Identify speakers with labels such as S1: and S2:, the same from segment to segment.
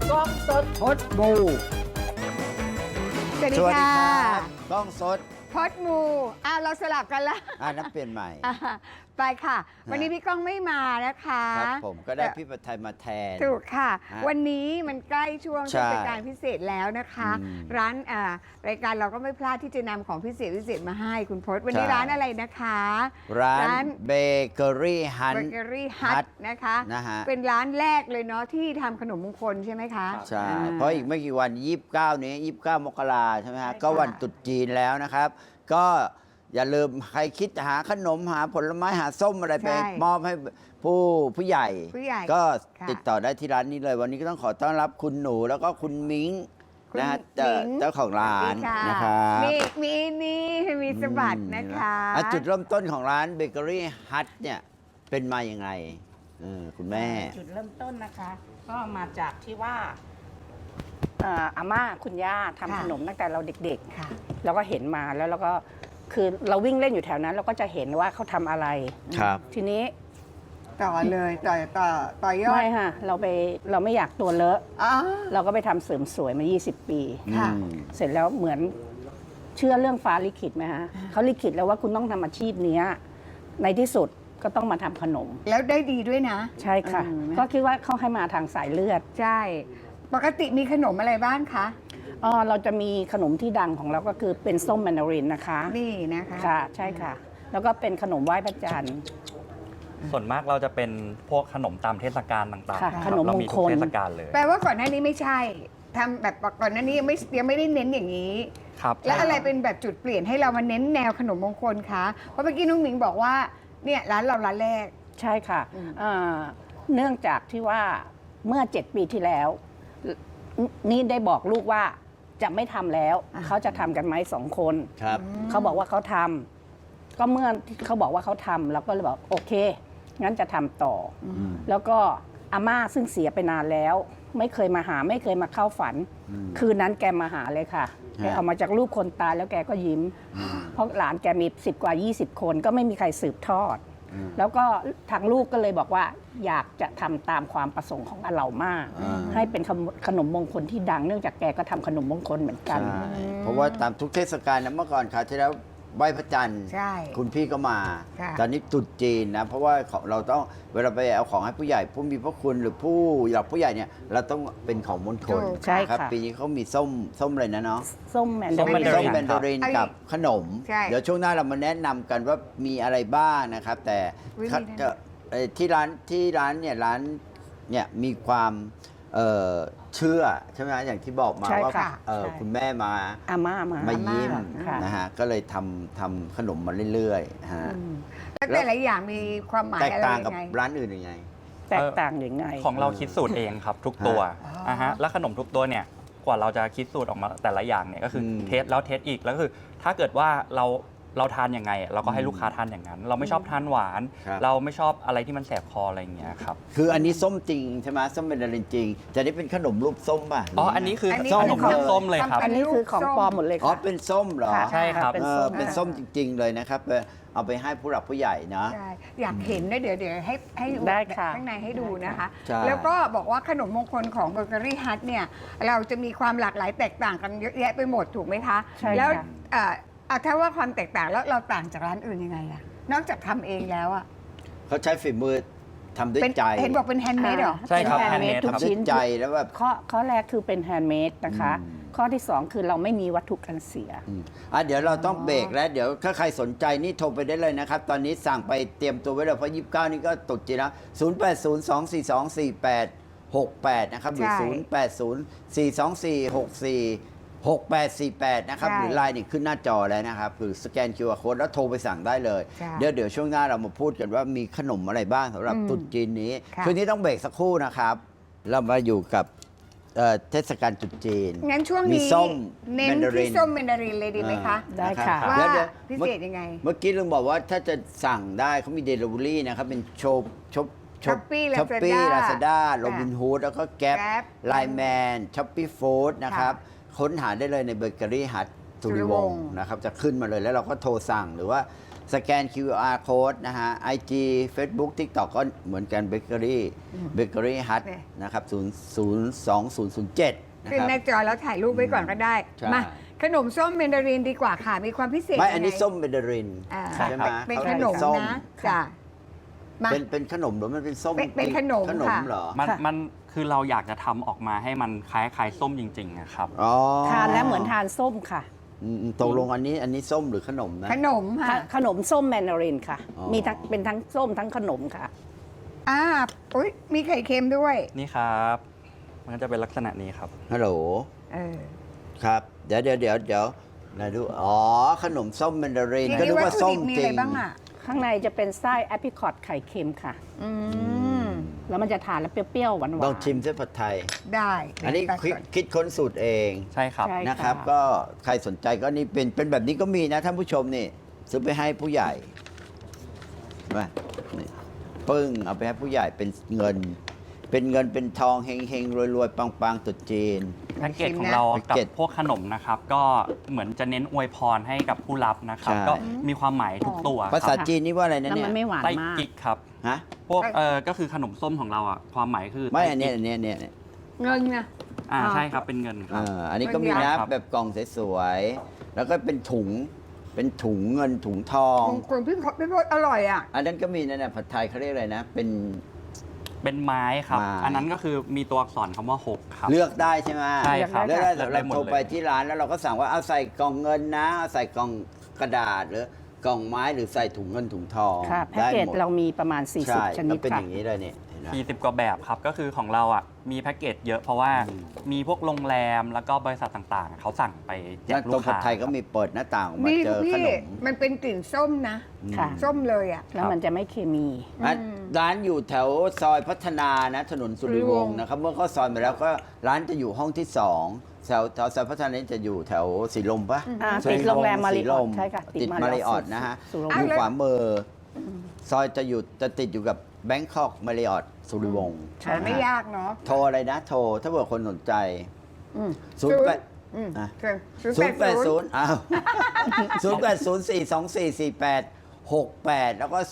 S1: กล้องสด
S2: พดมู
S3: สวัสดี
S2: สวัสดี
S3: ค่ะ
S2: ครับกล้องสด
S3: พดมูเราสลับกันละ
S2: นับเปลี่ยนใหม่
S3: อ่ะไปค่ะ วันนี้พี่ก้องไม่มานะคะ
S2: ครับผมก็ได้พี่ประไทยมาแทน
S3: ถูกค่ะ
S2: ฮะ
S3: วันนี้มันใกล้ช่วง
S2: ใช่
S3: เทศกาลพิเศษแล้วนะคะ
S2: อืม
S3: ร้านรายการเราก็ไม่พลาดที่จะนำของพิเศษมาให้คุณพศวันนี้
S2: ใช่
S3: ร้านอะไรนะคะ
S2: ร้า
S3: ร้าน
S2: นเบเกอรี่ฮัน
S3: เบเกอรี่ฮัทนะคะ
S2: นะฮะ
S3: เป็นร้านแรกเลยเนาะที่ทำขนมมงคลใช่ไหมคะ
S2: ใช่
S3: อ่
S2: เพราะอีกไม่กี่วัน 29 นี้ 29 มกราใช่ไหมฮะ
S3: ใช่ค่ะ
S2: ก็วันตรุษจีนแล้วนะครับ ก็อย่าลืมใครคิดหาขนมหาผลไม้หาส้มอะไรไปมอบให้ผู้ใหญ่
S3: ผู้ใหญ่
S2: ก็
S3: ค่ะ
S2: ติดต่อได้ที่ร้านนี้เลย วันนี้ก็ต้องขอต้อนรับคุณหนูแล้วก็คุณมิ้ง
S3: คุณ
S2: นะฮะ
S3: มิ้ง
S2: เจ้าของร้านนะครับ
S3: มีนี่มีสบัดนะคะ
S2: จุดเริ่มต้นของร้านเบเกอรี่ฮัทเนี่ยเป็นมาอย่างไงคุณแม่
S1: จุดเริ่มต้นนะคะ ก็มาจากที่ว่าอาม่าคุณย่าทำขนมตั้งแต่เราเด็ก
S3: ค่ะ
S1: ๆเราก็เห็นมาแล้วเราก็คือเราวิ่งเล่นอยู่แถวนั้น เราก็จะเห็นว่าเขาทำอะไร
S2: ครับ
S1: ทีนี้
S3: ต่อเลยต่อยอด
S1: ไม่ค่ะเราไม่อยากตัวเลอะ
S3: อ๋อ
S1: เราก็ไปทำเสริมสวยมา 20 ปี
S3: ค่ะ
S1: เสร็จแล้วเหมือนเชื่อเรื่องฟ้าลิขิตไหมฮะเขาลิขิตแล้วว่าคุณต้องทำอาชีพเนี้ยในที่สุดก็ต้องมาทำขนม
S3: แล้วได้ดีด้วยนะ
S1: ใช่ค่ะ ก็คิดว่าเขาให้มาทางสายเลือด
S3: ใช่ ปกติมีขนมอะไรบ้างคะ
S1: เราจะมีขนมที่ดังของเราก็คือเป็นส้มแมนดารินนะคะ
S3: นี่นะคะ
S1: ค่ะใช่ค่ะ แล้วก็เป็นขนมไหว้พระจันทร์
S4: ส่วนมากเราจะเป็นพวกขนมตามเทศกาลต่าง
S1: ค่ะ
S4: ๆ
S1: ขนม
S4: เรา
S1: มง
S4: มี
S1: ค
S4: ทุก
S1: ล
S4: เทศกาลเลย
S3: แปลว่าก่อนหน้านี้ไม่ใช่ทำแบบก่อนหน้านี้ยังไม่ได้เน้นอย่างนี้
S4: ครับ
S3: แล้วอะไรเป็นแบบจุดเปลี่ยนให้เรามาเน้นแนวขนมมงคลคะ เพราะเมื่อกี้น้องหมิงบอกว่าเนี่ยร้านเราร้านแรก
S1: ใช่ค่ะ
S3: อืม
S1: เนื่องจากที่ว่าเมื่อ 7 ปีที่แล้ว นี่ได้บอกลูกว่าจะไม่ทำแล้ว เขาจะทำกันไหม2 คน
S2: ครับ
S1: เขาบอกว่าเขาทำก็เมื่อเขาบอกว่าเขาทำเราก็เลยบอกโอเค งั้นจะทำต่ออ
S2: ม
S1: แล้วก็อาม่าซึ่งเสียไปนานแล้ว ไม่เคยมาหาไม่เคยมาเข้าฝัน คืนนั้นแกมาหาเลยค่ะแกเอามาจากรูปคนตายแล้วแกก็ยิ้ม เพราะหลานแกมี10 กว่า 20 คนก็ไม่มีใครสืบทอด แล้วก็ทางลูกก็เลยบอกว่าอยากจะทำตามความประสงค์ของอาเหล่ามาก ให้เป็นขนมมงคลที่ดังเนื่องจากแกก็ทำขนมมงคลเหมือนกัน
S2: ใช่เพราะว่าตามทุกเทศกาลนะเมื่อก่อนคราวที่แล้วไหว้พระจันทร์
S3: ใช่
S2: คุณพี่ก็มา
S3: ค่ะ
S2: ตอนนี้ตรุษจีนนะ เพราะว่าเราต้องเวลาไปเอาของให้ผู้ใหญ่ผู้มีพระคุณหรือผู้หลักผู้ใหญ่เนี่ยเราต้องเป็นของมณฑล
S3: ถูก
S1: ใช่
S2: ครับ
S1: ค่ะ
S2: ปีนี้เขามีส้มอะไรนะเนาะ
S1: ส้มแมน
S4: ส้
S1: ดาม
S4: แม
S1: ริ
S4: น
S1: น
S4: ดา
S2: ส้ม
S4: ริน
S2: แมนดาริน
S3: ครับ
S2: กับขนม
S3: ใช่
S2: เดี๋ยวช่วงหน้าเรามาแนะนำกันว่ามีอะไรบ้างนะครับ แต่
S3: วิธีนั้น
S2: ที่ร้านเนี่ยมีความเชื่อใช่ไหมอย่างที่บอกมา
S1: ใช่
S2: ว่า
S1: ค่ะ
S2: เอ่อ
S1: ใช่
S2: คุณแม่มา
S1: อาม่ามา
S2: มายิ้ม
S1: ค่ะ
S2: นะฮะก็เลยทำขนมมาเรื่อยๆฮะ
S3: แล้วแต่ละอย่างมีความหมาย
S2: แตก
S3: อะไร
S2: ต่าง
S3: ยั
S2: กับ
S3: งไง
S2: ร้านอื่นยังไง
S1: แตกต่างยังไง
S4: ของเราคิดสูตรเองครับทุกตัว
S3: อ๋ออ่
S4: ฮะแล้วขนมทุกตัวเนี่ยกว่าเราจะคิดสูตรออกมาแต่ละอย่างเนี่ยก็คืออ
S2: ม
S4: เทสแล้วเทสอีกแล้วก็คือ ถ้าเกิดว่าเราทานยังไง เราก็ให้ลูกค้าทานอย่างนั้น เราไม่ชอบทานหวาน
S2: ครับ
S4: เราไม่ชอบอะไรที่มันแสบคออะไรอย่างเงี้ยครับ
S2: คืออันนี้ส้มจริงใช่ไหมส้มเป็นดารินจริงแต่นี่เป็นขนมรูปส้มป่ะ
S4: อ๋ออันนี้คือ
S3: อันนี้
S4: ขนม
S2: ของ
S4: ส้มเลยครับ
S1: อันนี้คือของปลอมหมดเลย
S2: อ๋อ
S1: ค่ะ
S2: เป็นส้มเหรอ
S1: ค่ะ
S4: ใช่ครับ
S1: เป็น
S2: เอ
S1: ส้
S2: อ
S1: ม
S2: เป็นส้มจริง ๆ เลยนะครับเอาไปให้ผู้หลักผู้ใหญ่นะ
S3: ใช่อยากเห็นนะเดี๋ยวให้ดู
S1: ได้ค่ะ
S3: ข้างในให้ดูนะคะ
S2: ใช่
S3: แล้วก็บอกว่าขนมมงคลของเบเกอรี่ฮัทเนี่ยเราจะมีความหลากหลายแตกต่างกันเยอะแยะไปหมดถูกไหมคะ
S1: ใช่ค่ะ
S3: แล้วถ้าว่าความแตกต่างแล้วเราต่างจากร้านอื่นยังไงอะนอกจากทำเองแล้วอะ
S2: เขาใช้ฝีมือทำด้วย
S3: เป็น
S2: ใจ
S3: เห็นบอกเป็นแฮนด์เมดเหรอ
S4: ใช่ครับ
S1: เป็น handmade
S4: handmade
S1: ทุก
S4: ครับ
S2: ทำด้วย
S1: ชิ้น
S2: ใจแล้วแบบ
S1: ข้อแรกคือเป็นแฮนด์เมดนะคะ
S2: อืม
S1: ข้อที่ 2 คือเราไม่มีวัตถุกันเสีย
S2: เดี๋ยวเราต้องเบรกแล้วเดี๋ยวถ้าใครสนใจนี่โทรไปได้เลยนะครับ ตอนนี้สั่งไปเตรียมตัวไว้เลยเพราะ 29 นี่ก็ตกจีนแล้ว0802424868 นะครับหรือ
S3: ใช่
S2: 080424646848 นะครับ
S3: ใช่
S2: หรือไลน์นี่ขึ้นหน้าจอแล้วนะครับคือสแกน QR Code แล้วโทรไปสั่งได้เลย
S3: ใช่
S2: เดี๋ยวช่วงหน้าเรามาพูดกันว่ามีขนมอะไรบ้างสำหรับตรุษจีนนี้
S3: ค่ะ
S2: คืนนี้ต้องเบรกสักครู่นะครับ เรามาอยู่กับเทศกาลตรุษจีน
S3: งั้นช่วง
S2: มี
S3: นี้
S2: ส้ม
S3: เน้น
S2: แมนดาริ
S3: ที่
S2: น
S3: ส้มแมนดารินเลยดีไหมคะ
S1: ได้ค่ะ
S2: รับ
S3: ว่า
S2: เดี๋ยว
S3: พิเศษยังไง
S2: เมื่อกี้ลุงบอกว่าถ้าจะสั่งได้เขามีเดลิเวอรี่นะครับ เป็นช้อปปี้
S3: Shopee
S2: ลาซาด้า
S3: Lazada
S2: โรบินฮูดแล้วก็แก๊ป
S3: Gap
S2: ไลแมนช้อปปี้ฟู้ดนะครับ ค้นหาได้เลยในเบเกอรี่ฮัทสุริวงศ์นะครับ จะขึ้นมาเลยแล้วเราก็โทรสั่งหรือว่าสแกน QR code นะฮะ IG Facebook TikTok ก็เหมือนกันเบเกอรี่ฮัท
S3: เนี่ย
S2: นะครับ02007นะ
S3: ขึ้น
S2: ครับ
S3: หน้าจอแล้วถ่ายรูปไว้ก่อนก็ได้
S2: ใช่
S3: มาขนมส้มเมนดารินดีกว่าค่ะ มีความพิเศษ
S2: ไม่อันนี้
S3: ยังง
S2: ส้มเบเดริน
S3: อ่า
S2: ใช่ไหม
S3: เป็น
S2: เขา
S3: ข
S2: เรียก
S3: นม
S2: ส้ม
S3: นะจ้ะมา
S2: เป็นขนมหรือมันเป็นส้ม
S3: เป็นขนม
S2: ขนม
S3: ค่ะ
S2: เหรอ
S4: มันคือเราอยากจะทำออกมาให้มันคล้ายๆส้มจริงๆนะครับ
S2: อ๋อ
S1: ทานแล้วเหมือนทานส้มค่ะ
S2: ตกลงอันนี้ส้มหรือขนมนะ
S3: ขนมค่ะ
S1: ขนมส้มแมนดารินค่ะ
S2: อ๋อ
S1: มีทั้งเป็นทั้งส้มทั้งขนมค่ะ
S3: อุ้ยมีไข่เค็มด้วย
S4: นี่ครับ มันก็จะเป็นลักษณะนี้ครับ
S2: ฮัลโหล
S3: เออ
S2: ครับ เดี๋ยวนะดูอ๋อ ขนมส้มแมนดาริน
S3: ที
S2: ก็
S3: นี้
S2: นึก
S3: วัต
S2: ว่า
S3: ถุ
S2: ส้
S3: ดิ
S2: ม
S3: บมี
S2: จ
S3: อะ
S2: ริ
S3: ไรง บ้างอ่ะ
S1: ข้างในจะเป็นไส้แอปริคอตไข่เค็มค่ะ
S3: อืม
S1: แล้วมันจะทานแล้วเปรี้ยวๆหวานๆ
S2: ต้องชิมเส้นผัดไทย
S3: ได้
S2: อันนี้
S3: ตัดก่อน
S2: คิดค้นสูตรเอง
S4: ใช่ครับ
S1: ใช่
S2: นะครับ ก็ใครสนใจก็นี่เป็นแบบนี้ก็มีนะท่านผู้ชมนี่ ซื้อไปให้ผู้ใหญ่มานี่ปึ้งเอาไปให้ผู้ใหญ่เป็นเงิน เป็นทองเฮงๆรวยๆปังๆตรุษจีน
S4: แพ็กเกจของเรา
S2: แพ็ก
S4: กับ
S2: เกจ
S4: พวกขนมนะครับ ก็เหมือนจะเน้นอวยพรให้กับผู้รับนะครับ
S2: ใช่
S4: ก็มีความหมายทุกตัว
S2: ภาษา
S4: ครับ
S2: จีนนี่ว่าอะไรนะ
S1: แล้ว
S2: เนี่
S1: มั
S2: ย
S1: นไม่หวาน
S4: ไส้
S1: มาก
S4: กิ๊กครับ
S2: ฮะ
S4: พวกก็คือขนมส้มของเราอ่ะความหมายคือ
S2: ไม่
S4: ไส้
S2: อันเนี้ย
S4: กิ๊ก
S2: อันเนี้ยเนี่ย
S3: เงินนะ
S4: ใช่ครับเป็นเงินครับ
S2: อันนี้ก็มี
S3: เงิน
S2: นะ
S3: ยา
S2: แบบกล่องสวยๆแล้วก็เป็นถุงเงินถุงทอง
S3: มงคลพี่พศอร่อยอ่ะ
S2: อันนั้นก็มีนะเนี่ยผัดไทยเขาเรียกอะไรนะ
S4: เป็นไม้ครับ
S2: ไม้
S4: อันนั้นก็คือมีตัวอักษรคำว่า6ครับ
S2: เลือกได้ใช่ไหม
S4: ใช่ครับ
S2: เลือกได้
S4: เลือกได้
S2: เรา
S4: หมด
S2: โทร
S4: เลย
S2: ไปที่ร้านแล้วเราก็สั่งว่าเอาใส่กล่องเงินนะเอาใส่กล่องกระดาษหรือกล่องไม้หรือใส่ถุงเงินถุงทอง
S1: ค่ะ แพ็ก
S2: ได้
S1: เกจ
S2: หมด
S1: เรามีประมาณ
S2: ใช่
S1: 40 ชนิ
S2: ก็
S1: ด
S2: เป็นอ
S1: ค่ะ
S2: ย่างนี้เลยเนี่ยเห็นไหม
S4: 40 กว่าแบบครับ ก็คือของเราอ่ะมีแพ็กเกจเยอะเพราะว่ามีพวกโรงแรมแล้วก็บริษัทต่างๆ เขาสั่งไปแจ
S2: แล้ว
S4: กลู
S2: ตัว
S4: ก
S2: ผัด
S4: ค้า
S2: ไทยก็มีเปิดหน้าต่างออกมา
S3: นี่
S2: เจอข
S3: พี่
S2: นม
S3: มันเป็นกลิ่นส้มนะ
S1: ค่ะ
S3: ส้มเลยอ่ะ
S1: แล้วมันจะไม่เคมี
S2: อ่ะร้านอยู่แถวซอยพัฒนานะถนนสุริวงศ์นะครับเมื่อเข้าซอยมาแล้วก็ร้านจะอยู่ห้องที่2แถวซอยพัฒนานี้จะอยู่แถวสีลมปะ
S1: ติดโรงแรมมาริ
S2: สี
S1: อ
S2: ล
S1: อท
S2: ม
S1: ใช่ค่ะ
S2: ติดมาริออทนะฮะ
S1: สุร
S2: อ
S1: วง
S2: ยู่
S1: ศ์
S2: ขวามือซอยจะติดอยู่กับแบงคอกมาริออทสุริวงศ์
S1: ใช่
S3: แต่ไม่ยากเนาะ
S2: โทรอะไรนะ โทรถ้าเผื่อคนสนใจ
S3: อืม
S2: ศูนย์แปด
S3: อืม
S2: อ่ะ
S3: เชิญ
S2: 080อ้าว0804244868 แล้วก็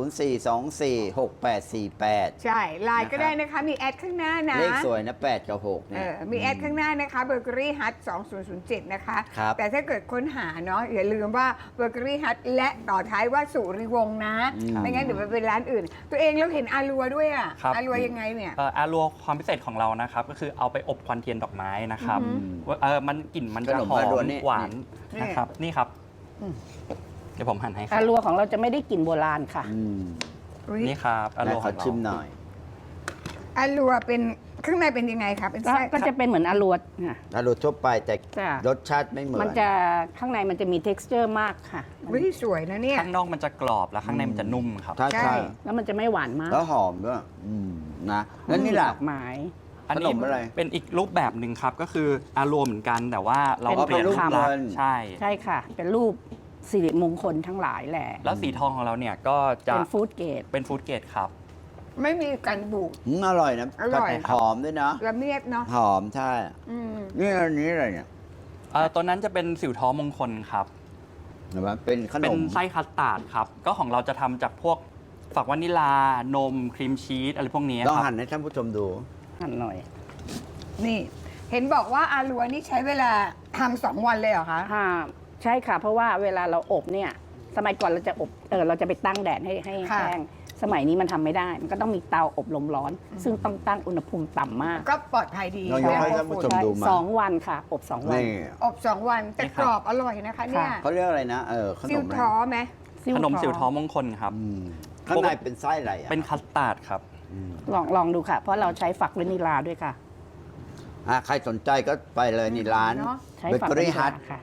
S2: 0804246848
S3: ใช่ไลน์ก็ได้นะคะ มีแอดข้างหน้านะ
S2: เลขสวยนะ8กับ6เนี่ย
S3: มีแอดข้างหน้านะคะเบเกอรี่ฮัท2007 นะคะ
S2: ครับ
S3: แต่ถ้าเกิดค้นหาเนาะอย่าลืมว่าเบเกอรี่ฮัทและต่อท้ายว่าสุริวงศ์นะ ไม่งั้นเดี๋ยวไปเป็นร้านอื่น ตัวเองเราเห็นอารัวด้วยอ่ะ
S4: ครับ
S3: อารัวยังไงเนี่ย
S4: อารัวความพิเศษของเรานะครับ ก็คือเอาไปอบควันเทียนดอกไม้นะครับว่ามันกลิ่นมันจะ
S2: ขนม
S4: หอ
S2: อารัว
S4: ม
S2: นี่
S4: หวาน
S3: นี่
S4: นะครับนี่ครับเดี๋ยวผมหั่นให้ครั
S1: อา
S4: บ
S1: รัวของเราจะไม่ได้กลิ่นโบราณค่ะ
S3: อุ๊ย
S4: นี่ครับอารัว
S2: ข
S4: ข
S2: อ
S4: องเรา
S2: ชิมหน่อย
S3: อารัวเป็นข้างในเป็นยังไงครับเป็น
S1: ก็
S3: ไส้
S1: ก็จะเป็นเหมือนอารัวค่ะ
S2: อารูทั่วไปแต่
S1: จ้ะ
S2: รสชาติไม่เหมือน
S1: มันจะข้างในมันจะมี t e x t อร์มากค่ะ
S3: วิสวยนะเนี่ย
S4: ข้างนอกมันจะกรอบแล้วข้างในมันจะนุ่มครับ
S2: ใช่
S3: ใช่
S2: ใช่
S1: แล้วมันจะไม่หวานมาก
S2: แล้วหอมด้วยนะแล้วนี่ล่ะ
S1: ดอกไม้
S4: อัน
S2: ขน
S4: นี้
S2: มอะไร
S4: เป็นอีกรูปแบบหนึ่งครับ ก็คืออารัวเหมือนกันแต่ว่าเรา
S1: เป็น
S4: เปลี่ยน
S2: รูป
S4: รูปลักษ
S2: เงิน
S4: ณ์ใช่
S1: ใช่ค่ะ เป็นรูปสิริมงคลทั้งหลายแหละ
S4: แล้วสีทองของเราเนี่ยก็จะ
S1: เป็นฟู้ดเกรด
S4: เป็นฟู้ดเกรดครับ
S3: ไม่มีกันบูด
S2: อร่อยนะ
S3: อร่อย
S2: หอมด้วยนะ
S3: ละเมียดเนาะ
S2: หอมใช่
S3: อืม
S2: นี่อันนี้อะไรเนี่ย
S4: ตัวนั้นจะเป็นสิวท้อมงคลครับ
S2: เห็นไหมเป็นขน
S4: เป็น
S2: ม
S4: ไส้คัสตาร์ดครับ ก็ของเราจะทำจากพวกฝักวานิลานมครีมชีสอะไรพวกนี้
S2: ต้อง
S4: ครับ
S2: หั่นให้ท่านผู้ชมดู
S1: หั่นหน่อย
S3: นี่ เห็นบอกว่าอารัวนี่ใช้เวลาทำ2 วันเลยเหรอคะ
S1: ใช่ค่ะ เพราะว่าเวลาเราอบเนี่ย สมัยก่อนเราจะอบเราจะไปตั้งแดดให้
S3: ค่ะ
S1: แห้ง สมัยนี้มันทำไม่ได้ มันก็ต้องมีเตาอบลมร้อน ซึ่งต้องตั้งอุณหภูมิต่ำมาก
S3: ก็ปลอดภัยดี
S2: เรายกให้ท่านผู้ชม
S1: ใช่
S2: ดูมา
S1: 2 วันค่ะ อบ2 วัน
S2: นี่
S3: อบ2 วันแต่กรอบอร่อยนะคะเนี่ย
S2: เขาเรียกอะไรนะข
S3: ซิ
S2: น
S3: ว
S2: มอะไร
S3: ท้อไหม
S4: ขนมสิวท้อมงคลครับ
S2: ข้างในเป็นไส้อะไรอ่ะ
S4: เป็นคัสตาร์ดครับ
S1: ลองดูค่ะ เพราะเราใช้ฝักวานิลาด้วยค่ะ
S2: ใครสนใจก็ไปเลยนี่ร้าน
S3: เนอะ
S1: ใช้
S2: เบ
S1: ฝัก
S2: เกอ
S1: วานิ
S2: รี่
S1: ลา
S2: ฮัท
S1: ค่ะ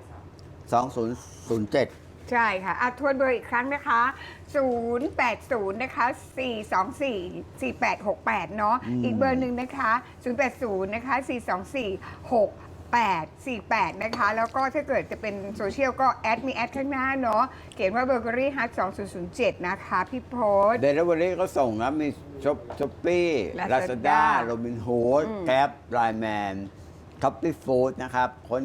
S2: 2007
S3: ใช่ค่ะทวนเบอร์อีกครั้งนะคะ 080 นะคะ 424 4868 เนาะ อีกเบอร์หนึ่งนะคะ 080 นะคะ 424 6848 นะคะ แล้วก็ถ้าเกิดจะเป็นโซเชียลก็มีแอดข้างหน้าเนาะ เขียนว่าเบเกอรี่ฮัท2007 นะคะ พี่โพส
S2: เดลิเวอรี่ก็ส่งนะ มีช้อปปี้ลา
S3: Lazada
S2: ซาด้าโรบินฮูดแกร็บไลแมนคัพปี้ฟู้ดนะครับ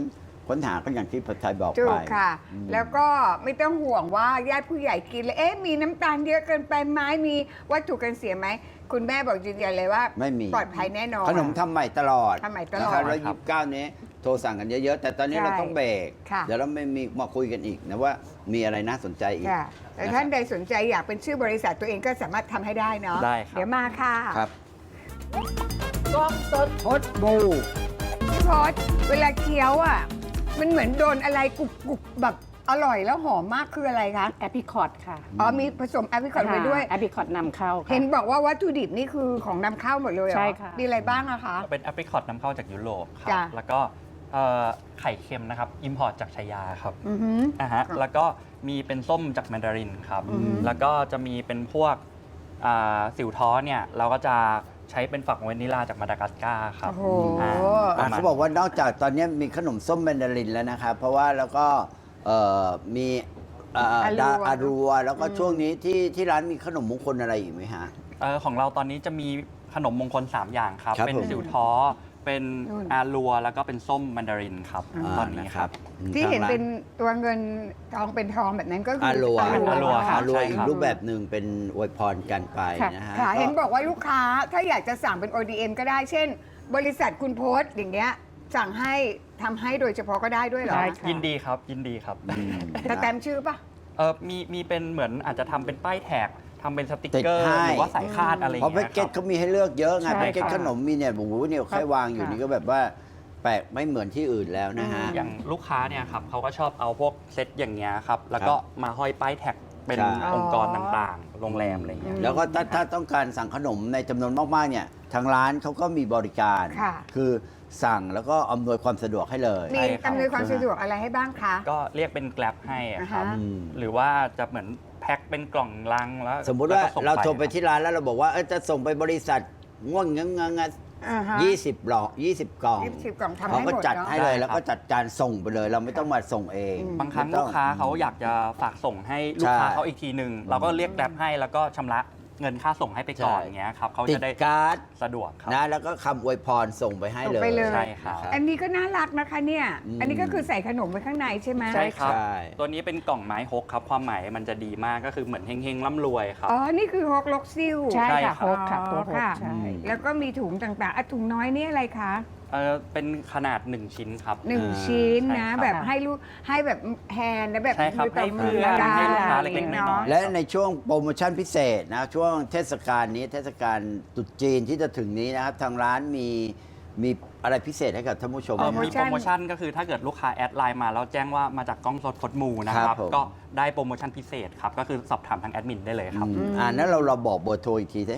S2: ค้นหาก็อย่างที่ผัดไทยบอก
S3: ถู
S2: ไป
S3: กค่ะ
S2: อืม
S3: แล้วก็ไม่ต้องห่วงว่าญาติผู้ใหญ่กินแล้วมีน้ำตาลเยอะเกินไปไหมมีวัตถุกันเสียไหมคุณแม่บอกยืนยันเลยว่า
S2: ไม่มี
S3: ปลอดภัยแน่นอน
S2: ขนมทำใหม่ตลอด
S3: ทำใหม่ตลอด
S2: นะครับแล้ว29 นี้โทรสั่งกันเยอะๆ แต่ตอนนี้
S3: ใช่
S2: เราต้องเบรก
S3: ค่ะ
S2: เดี๋ยวเราไม่มีมาคุยกันอีกนะว่ามีอะไรน่าสนใจอีก
S3: ค่ะแต่ท่านใดสนใจอยากเป็นชื่อบริษัทตัวเองก็สามารถทำให้ได้เนาะ
S4: ได้ครับ
S3: เดี๋ยวมาค่ะ
S2: ครับกล้องสดพดบู
S3: พี่พศเวลาเคี้ยวอ่ะมันเหมือนโดนอะไรกรุบแบบอร่อยแล้วหอมมากคืออะไรคะ
S1: แอปริคอตค่ะ
S3: อ๋อมีผสมแอปริคอตไปด้วย
S1: แอปริคอตนำเข้าค่ะ
S3: เห็นบอกว่าวัตถุดิบนี่คือของนำเข้าหมดเลยเหรอ
S1: ใช่ค่ะ
S3: มีอะไรบ้างอะคะ
S4: เป็นแอปริคอตนำเข้าจากยุโรปครั
S3: จ้ะ
S4: แล้วก็ไข่เค็มนะครับอิมพอร์ตจากชายาครับ
S3: อือหือ
S4: แล้วก็มีเป็นส้มจากแมนดารินครับ
S3: อือฮึ
S4: แล้วก็จะมีเป็นพวกสิวท้อเนี่ยเราก็จะใช้เป็นฝักวานิลลาจากมาดากัสการ์ครับ
S3: โอ้โห
S4: ประมาณ
S2: เขาบอกว่านอกจากตอนนี้มีขนมส้มแมนดารินแล้วนะครับเพราะว่าแล้วก็มีอารัวแล้วก็ช่วงนี้ที่ร้านมีขนมมงคลอะไรอีกไหมฮะ
S4: ของเราตอนนี้จะมีขนมมงคล 3 อย่างครับ
S2: ครับ
S4: เป็น
S2: ผม
S4: สิวท้อ เป็น
S3: นู่น
S4: อารัว แล้วก็เป็นส้มแมนดารินครับตอนนี้ครับ
S3: ที่เห็น
S2: ทางร้า
S3: เป็นตัวเงินทองเป็นทองแบบนั้นก็คือ
S2: อารัว
S4: อารัวครับ
S2: อารัว
S4: ใช่
S2: อี
S4: ค
S2: ก
S4: รับ
S2: รูปแบบหนึ่งเป็นอวยพรกันไป
S1: ค่ะ
S2: นะฮะ
S3: ค่ะ
S2: ก็
S3: เห็นบอกว่าลูกค้าถ้าอยากจะสั่งเป็น ODM ก็ได้ เช่น บริษัทคุณโพสต์อย่างเงี้ยสั่งให้ทำให้โดยเฉพาะก็ได้ด้วยเหรอ
S1: ได้ค่ะ
S4: ยินดีครับ ยินดีครับ
S3: แต่แตมชื่อปะ
S4: มีเป็นเหมือนอาจจะทำเป็นป้ายแท็กทำเป็นสติก
S2: ติด
S4: เกอร์
S2: ให้
S4: หรือว่าสายคาดอะไรอย่าง
S2: เพราะแพ็
S4: เงี้
S2: ก
S4: ย
S2: เกจ
S4: ครับ
S2: เขามีให้เลือกเยอะไง
S1: ใช่
S2: แพ็กเกจ
S1: ค่ะ
S2: ขนมมีเนี่ยโอ้โหเนี่ยแค่วางอยู่นี่ก็แบบว่าแปลกไม่เหมือนที่อื่นแล้วนะฮะ
S4: อย่างลูกค้าเนี่ยครับเขาก็ชอบเอาพวกเซตอย่างเงี้ยครับ แล้วก็มาห้อยป้ายแท็กเป็น
S2: ใช่
S4: องค์กรต่างๆ โรงแรมอะไรอย่างเงี้ย
S2: แล้วก็ถ้าต้องการสั่งขนมในจำนวนมากๆเนี่ยทางร้านเขาก็มีบริการ
S3: ค่ะ
S2: คือสั่งแล้วก็อำนวยความสะดวกให้เลย
S3: มี
S4: ใช่ครับ
S3: อำนวยความสะดวกอะไรให้บ้างคะ
S4: ก็เรียกเป็นแกลบให้อะครับ
S3: อ่าฮะ
S2: อืม
S4: หรือว่าจะเหมือนแพ็คเป็นกล่องลังแล้ว
S2: สมมุติว่า
S4: แล้วก็ส่ง
S2: เราโทรไป
S4: ครับ
S2: ที่ร้านแล้วเราบอกว่าจะส่งไปบริษัทง่วงงังงัง
S3: อ่าฮะ
S2: 20 หลอก20 กล่อง
S3: 20 กล่องทำ
S2: เขา
S3: ให้
S2: ก็
S3: หมด
S2: จัด
S3: เนาะ
S2: ให้เลย
S4: ได้ครับ
S2: แล้วก็จัดการส่งไปเลย เราไม่ต้องมาส่งเอง
S4: บางครั้ง
S2: ไม่ต้
S4: ลู
S2: อก
S4: ค้าเขาอยากจะฝากส่งให้ลูกค้า
S2: ใช่
S4: เขาอีกทีหนึ่งเราก็เรียกแกลบให้แล้วก็ชำระเงินค่าส่งให้ไปก่อน
S2: ใช่
S4: อย่างเงี้ยครับเขา
S2: ติด
S4: จะได้
S2: การ์ด
S4: สะดวกครับ
S2: นะแล้วก็คำอวยพรส่งไปให้
S3: ส่ง
S2: เลย
S3: ไปเลย
S4: ใช่ครับ
S2: นะ
S3: อันนี้ก็น่ารักนะคะเนี่ย
S2: อืม
S3: อันนี้ก็คือใส่ขนมไว้ข้างในใช่ไหม
S4: ใช่ครับ
S2: ใช่
S4: ตัวนี้เป็นกล่องไม้ฮกครับ ความหมายมันจะดีมากก็คือเหมือนเฮงๆร่ำรวยครับ
S3: อ๋อ นี่คือฮอกล็อกซิล
S1: ใช่
S4: ใช่
S1: ค่ะ
S4: ครับ
S1: โฮกค่ะตัวโฮก
S3: ค่ะ
S1: ใช่
S3: แล้วก็มีถุงต่างๆอ่ะถุงน้อยนี่อะไรคะ
S4: เป็นขนาด 1 ชิ้นครับ
S3: หนึ่งชิ้นนะ
S4: ใช่ครับ
S3: แบบให้ลูกให้แบบแฮนด์และแบบ
S4: ใช่ครับ
S3: ต่อ
S4: ให้เพื่อน
S3: ได้
S4: ให้ลูกค้าเล็กๆน้อยๆ
S2: และในช่วงโปรโมชั่นพิเศษนะช่วงเทศกาลนี้เทศกาลตรุษจีนที่จะถึงนี้นะครับ ทางร้านมีอะไรพิเศษให้กับท่านผู้ชมไหม
S4: มี
S2: ครับ
S4: โปรโมชั่นก็คือถ้าเกิดลูกค้าแอดไลน์มาแล้วแจ้งว่ามาจากกล้องสดพดมูนะค
S2: ครั
S4: รั
S2: บบ ผม
S4: ก็ได้โปรโมชั่นพิเศษครับ ก็คือสอบถามทางแอดมินได้เลยครับ
S2: นั้นเราบอกเบอร์โทรอีกทีสิ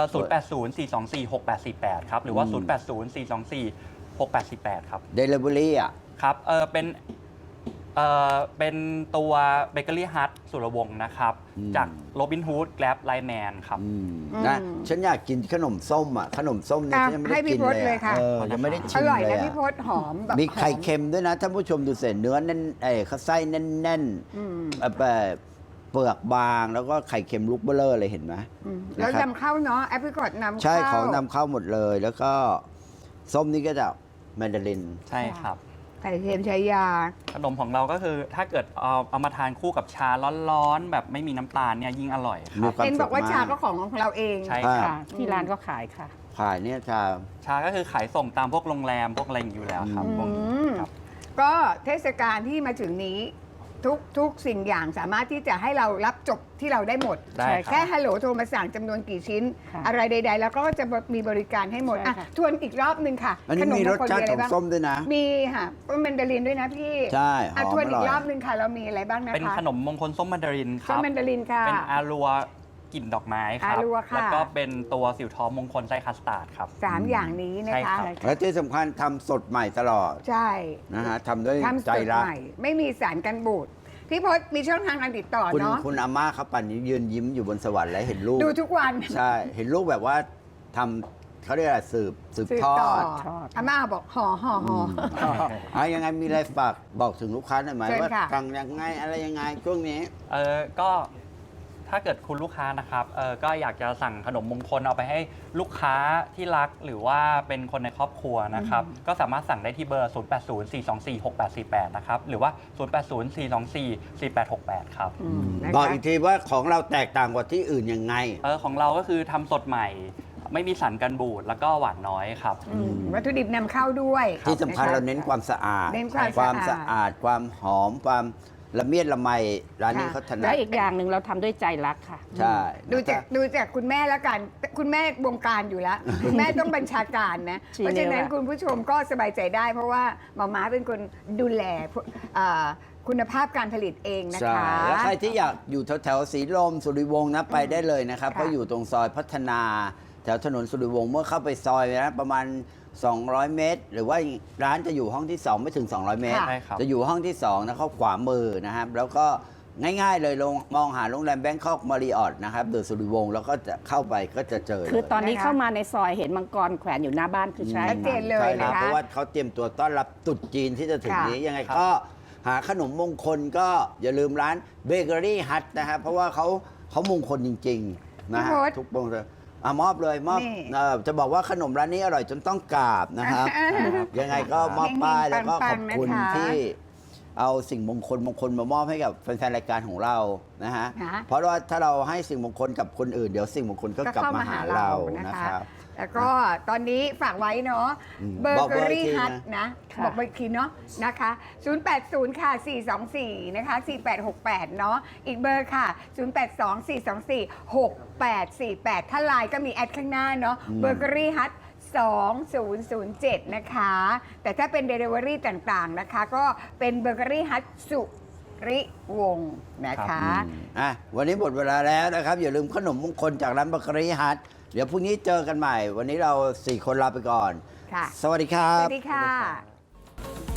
S4: 080-424-6848 ครับ หรือว่า 080-424-6848 ครับ
S2: Delivery อ่ะ
S4: ครับเป็นตัวเบเกอรี่ฮัทสุรวงศ์นะครับ
S2: อืม
S4: จากโรบินฮูดแกลบไลแมนครับ
S2: นะฉันอยากกินขนมส้มอ่ะขนมส้มเนี่ย
S3: อ่ะ
S2: ฉันยังไม่
S3: ให้
S2: ได้
S3: พี่
S2: กิน
S3: พศ
S2: เลย
S3: เลยค่ะ
S2: ยังไม่ได้
S3: อ
S2: ชิม
S3: ร่อย
S2: เลย
S3: นะ
S2: อะ
S3: พี่พศหอมแบบ
S2: มีไข่
S3: หอ
S2: เค็มด้วยนะท่านผู้ชมดูเสร็จเนื้อแน่นข้าวไส้แน่น
S3: อืม
S2: เปลือกบางแล้วก็ไข่เค็มลูกเบลอเลยเห็นไหม
S3: แล้ว
S2: นะครับ
S3: นำเข้าเนาะแอปริคอตนำเข้า
S2: ใช่ของนำเข้าหมดเลย แล้วก็ส้มนี่ก็จะแมนดาริน
S4: ใช่ครับ
S3: ไข่เค็มชายา
S4: ขนมของเราก็คือถ้าเกิดเอามาทานคู่กับชาร้อนๆ แบบไม่มีน้ำตาลเนี่ยยิ่งอร่อยค
S2: มี
S4: รับ
S2: ความ
S3: เอ็นบอกว่า
S2: สุขมาก
S3: ชาก็ของเราเอง
S4: ใช่ครับ
S1: ค่ะ ที่ร้านก็ขายค่ะ
S2: ขายเนี่ยชา
S4: ชาก็คือขายส่งตามพวกโรงแรมพวกอะไรอย่างนี้อยู่แล้วครับพวกนี้ครับ
S3: ก็เทศกาลที่มาถึงนี้ทุกสิ่งอย่างสามารถที่จะให้เรารับจบที่เราได้หมด
S4: ได้ครับ
S3: แค่ฮัลโหลโทรมาสั่งจำนวนกี่ชิ้น
S1: ค่ะ
S3: อะไรใด ๆ แล้วก็จะมีบริการให้หมด
S1: ใช่
S3: อ่ะ
S1: ค่ะ
S3: ทวนอีกรอบหนึ่งค่ะ
S2: อันนี้มีรสชาติของส้มด้วยนะ
S3: มีค่ะเป็นแมนดารินด้วยนะพี่
S2: ใช่หอม
S3: อ่ะทวนอี
S2: อร่
S3: ก
S2: อย
S3: รอบหนึ่งค่ะ เรามีอะไรบ้างนะคะ
S4: เป็นขนมมงคลส้มแมนดารินค
S3: ส้
S4: รั
S3: ม
S4: บ
S3: แมนดารินค่ะ
S4: เป็นอารัวกลิ่นดอกไม้ครับ
S3: อารัวค่ะ
S4: แล้วก็เป็นตัวสิวท้อมงคลไส้คัสตาร์ดครับ
S3: สามอย่างนี้นะ
S4: ใช่
S3: คะ
S4: ครับ
S2: และที่สำคัญทำสดใหม่ตลอด
S3: ใช่
S2: นะฮะทำด้วย
S3: ทำส
S2: ใจ
S3: ด
S2: รัก
S3: ใหม่ไม่มีสารกันบูดพี่พศมีช่องทางการติดต่อ
S2: คุณ
S3: เนาะ
S2: คุณอาม่าเขาปั่นนี้ยืนยิ้มอยู่บนสวรรค์แล้วเห็นลูก
S3: ดูทุกวัน
S2: ใช่ เห็นลูกแบบว่าทำเขาเรียกอะไรสืบ
S3: สืบ
S2: ทอ
S3: ต่อ
S2: ด
S3: อาม่าบอกห่อ
S2: ยังไงมีอะไรฝากบอกถึงลูกค้าหน่อยไหม
S3: เชิญ
S2: ว่า
S3: ค่ะ
S2: สั่งยังไงอะไรยังไงช่วงนี้
S4: ก็ทถ้าเกิดคุณลูกค้านะครับก็อยากจะสั่งขนมมงคลเอาไปให้ลูกค้าที่รักหรือว่าเป็นคนในครอบครัวนะครับ ก็สามารถสั่งได้ที่เบอร์ 0804246848 นะครับ หรือว่า 0804244868 ครับ
S3: นะคะ
S2: บอกอีกทีว่าของเราแตกต่างกว่าที่อื่นยังไง
S4: ของเราก็คือทำสดใหม่ ไม่มีสารกันบูดแล้วก็หวานน้อยครับ
S3: วัตถุดิบนำเข้าด้วย
S2: ที่สำคัญ
S3: ะะ
S2: เราเน้นความสะอาด
S3: เน้นความสะอาด
S2: ความหอม ความละเมียดละไมร้านนี้เขาถนั
S1: และ
S2: ด
S1: อีกอย่างหนึ่งเราทำด้วยใจรักค่ะ
S2: ใช่
S3: ดูจากคุณแม่แล้วกัน คุณแม่วงการอยู่แล้ว คุณแม่ต้องบัญชาการนะ
S1: ชี้
S3: เพราะฉะนั้น
S1: นิ้วอะ
S3: คุณผู้ชมก็สบายใจได้ เพราะว่าหมอม้าเป็นคนดูแลคุณภาพการผลิตเองนะ
S2: ใช่
S3: คะ
S2: แล้วใครที่อยากอยู่แถวๆสีลมสุริวงศ์นะไปได้เลยนะครับ
S3: ค่ะ
S2: เพราะอยู่ตรงซอยพัฒนา แถวถนนสุริวงศ์เมื่อเข้าไปซอยนะประมาณ 200 เมตร หรือว่าร้านจะอยู่ห้องที่ 2 ไม่ถึง 200 เมตร
S4: ใช่ครับ
S2: จะอยู่ห้องที่ 2 นะเข้าขวามือนะครับ แล้วก็ง่ายๆเลยมองหาโรงแรมแบงคอกมาริออทนะครับเดอะสุริวงศ์แล้วก็จะเข้าไปก็จะเจอเลย
S1: คือตอนนี้
S3: นะคะ
S1: เข้ามาในซอยเห็นมังกรแขวนอยู่หน้าบ้านคือใช่
S3: ชัดเจนเลย
S2: ใช่รับ
S3: นะคะ
S2: เพราะว่าเขาเตรียมตัวต้อนรับตรุษจีนที่จะถึง
S3: ค่ะ
S2: นี้ยังไงก็หาขนมมงคลก็อย่าลืมร้านเบเกอรี่ฮัทนะครับเพราะว่าเขามงคลจริงๆนะฮะ
S3: พี่พศ
S2: ทุกมงคลมอบเลยมอบ
S3: นี่
S2: จะบอกว่าขนมร้านนี้อร่อยจนต้องกราบนะครับ ยังไงก็มอบป้ายแล้วก็ขอบคุณ
S3: ปังๆนะคะ
S2: ที่เอาสิ่งมงคลมามอบให้กับแฟนๆรายการของเรานะฮะ
S3: นะ
S2: เพราะว่าถ้าเราให้สิ่งมงคลกับคนอื่นเดี๋ยวสิ่งมงคลก็กลับมาหาเรานะครับ
S3: แล้วก็ตอนนี้ฝากไว้เนาะ
S2: อืม
S3: เบอ
S2: บอก
S3: ร์เก
S2: เบอ
S3: อ
S2: ร์อี
S3: รี่
S2: กที
S3: ฮัท
S2: นะ
S3: นะ
S1: ค่ะ
S3: บอกไปอีกทีเนาะนะคะ 080 ค่ะ 424 นะคะ 4868 เนาะอีกเบอร์ค่ะ 082 424 6848 ถ้าไลน์ก็มีแอดข้างหน้าเนาะเบอร์เกอรี่ฮัท2007 นะคะ แต่ถ้าเป็น Delivery ต่างๆนะคะ ก็เป็นเบอร์เกอรี่ฮัทสุริวงศ์นะคะ
S2: วันนี้หมดเวลาแล้วนะครับ อย่าลืมขนมมงคลจากร้านเบเกอรี่ฮัทเดี๋ยวพรุ่งนี้เจอกันใหม่ วันนี้เรา 4 คนลาไปก่อน
S3: ค่ะ
S2: สวัสดีครั
S3: ส
S2: บ
S3: วัสดีค่ะ